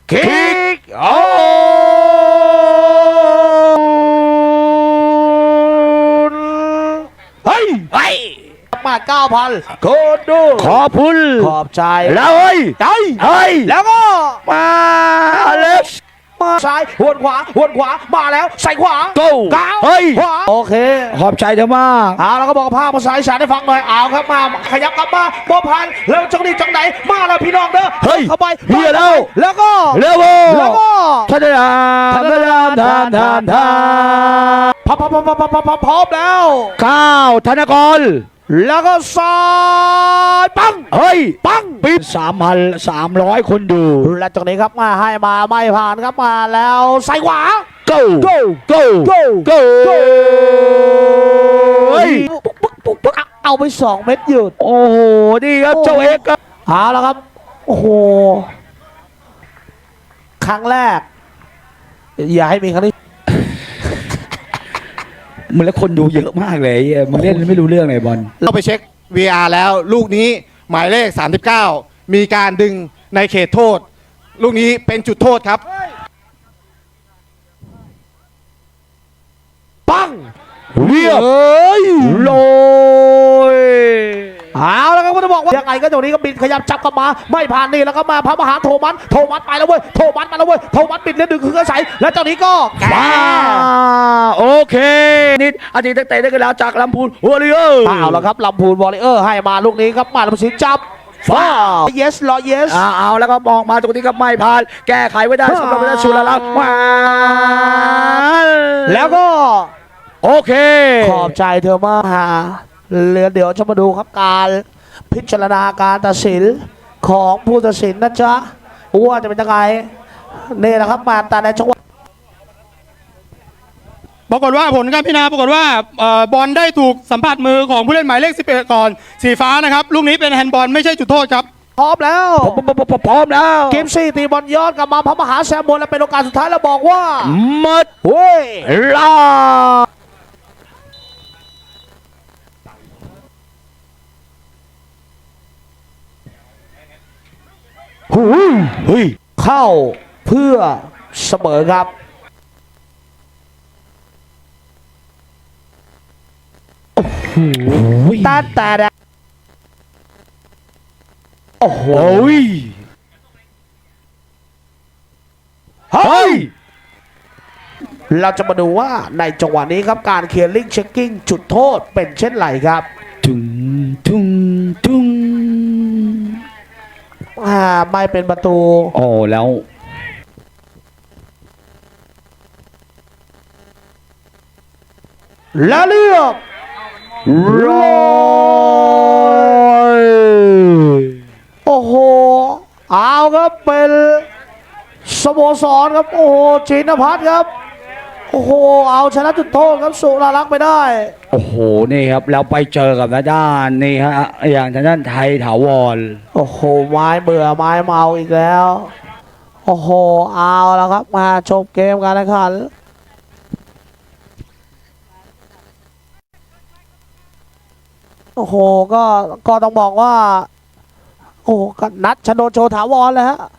คิกโอ้เฮ้ยมา 9,000 โคตรดูขอบคุณขอบใจแล้วเฮ้ยใจเฮ้ยแล้วก็มาอเล็กซ์มาซ้ายหวนขวามาแล้วใส่ขวา Go ก้าวเฮ้ยขวาโอเคขอบใจเธอมากเอาแล้วก็บอกภาพภาษาอีสานให้ฟังหน่อยเอาครับมาขยับกลับมาบัวพันแล้วจังนี้จังไหนมาแล้วพี่น้องเด้อเฮ้ยเข้าไปเฮียแล้วแล้วก็เร็วแล้วก็ท่านทานพร้อมแล้วก้าวธนกรแล้วก็ซ้ายปังเฮ้ยปังปิด3,300 คนดูและจากนี้ครับมาให้มาไม่ผ่านครับมาแล้วใส่ขวา go go go go go go เฮ้ยเอาไป2 เม็ดหยุดโอ้โหนี่ครับเจ้าเอกครับเอาแล้วครับโอ้โหครั้งแรกอย่าให้มีครั้งนี้มึงแล้วคนดูเยอะมากเลยมึงเล่นไม่รู้เรื่องเลยบอลเราไปเช็ค VR แล้วลูกนี้หมายเลข 39 มีการดึงในเขตโทษ ลูกนี้เป็นจุดโทษครับปังเรียบ โรยเอาแล้วครับก็จะบอกว่ายังไงก็ตรงนี้ก็บินขยับจับกลับมาไม่ผ่านนี่แล้วก็มาพระมหาโทมัสไปแล้วเว้ยโทมัสมาแล้วเว้ยโทมัสบิดเลือดดึงคือกระใสแล้วเจ้านี้ก็แกว้าโอเคนิดอาทิตย์ตั้งแต่ได้กันแล้วจากลำพูนหัวเรือเอาแล้วครับลำพูนวอลเลเยอร์ให้มาลูกนี้ครับมาลำสินจับฟ้า yes รอ yes เอาแล้วก็มองมาตรงนี้ก็ไม่ผ่านแก้ไขไว้ได้สำหรับเวลาชุลลักษณ์ว้าแล้วก็โอเคขอบใจเธอมากฮะเดี๋ยวจะมาดูครับการพิจารณาการตัดสินของผู้ตัดสินนะจ๊ะว่าจะเป็นยังไงนี่แหละครับมาแต่ในจังหวะปรากฏว่าผลการพิจารณาปรากฏว่าบอลได้ถูกสัมผัสมือของผู้เล่นหมายเลข 11 ก่อนสีฟ้านะครับลูกนี้เป็นแฮนด์บอลไม่ใช่จุดโทษครับพร้อมแล้วพร้อมแล้วเกมซี่ตีบอลย้อนกลับมาพระมหาแซมบนและเป็นโอกาสสุดท้ายแล้วบอกว่าหมดเฮ้ยลาเฮ้ยเข้าเพื่อเสมอครับแต่โอ้โหโอ้ยเฮ้ยเราจะมาดูว่าในจังหวะนี้ครับการเคลียร์ลิงเช็คกิ้งจุดโทษเป็นเช่นไรครับทุงทุงทุงไม่เป็นประตูโอ้แล้วแล้วเลือกร้อยโอ้โหเอาครับเป็นสโมสรครับโอ้โหจินพัฒน์ครับโอ้โหเอาชนะจุดโทษครับสุรารักษ์ไปได้โอ้โหนี่ครับแล้วไปเจอกับด้านนี่ฮะอย่างทางด้านไทยถาวรโอ้โหไม้เบื่อไม้เมาอีกแล้วโอ้โหเอาแล้วครับมาชมเกมกันนะครับโอ้โหก็ต้องบอกว่าโอ้โหนัดชนโดนโชว์ถาวรเลยฮะ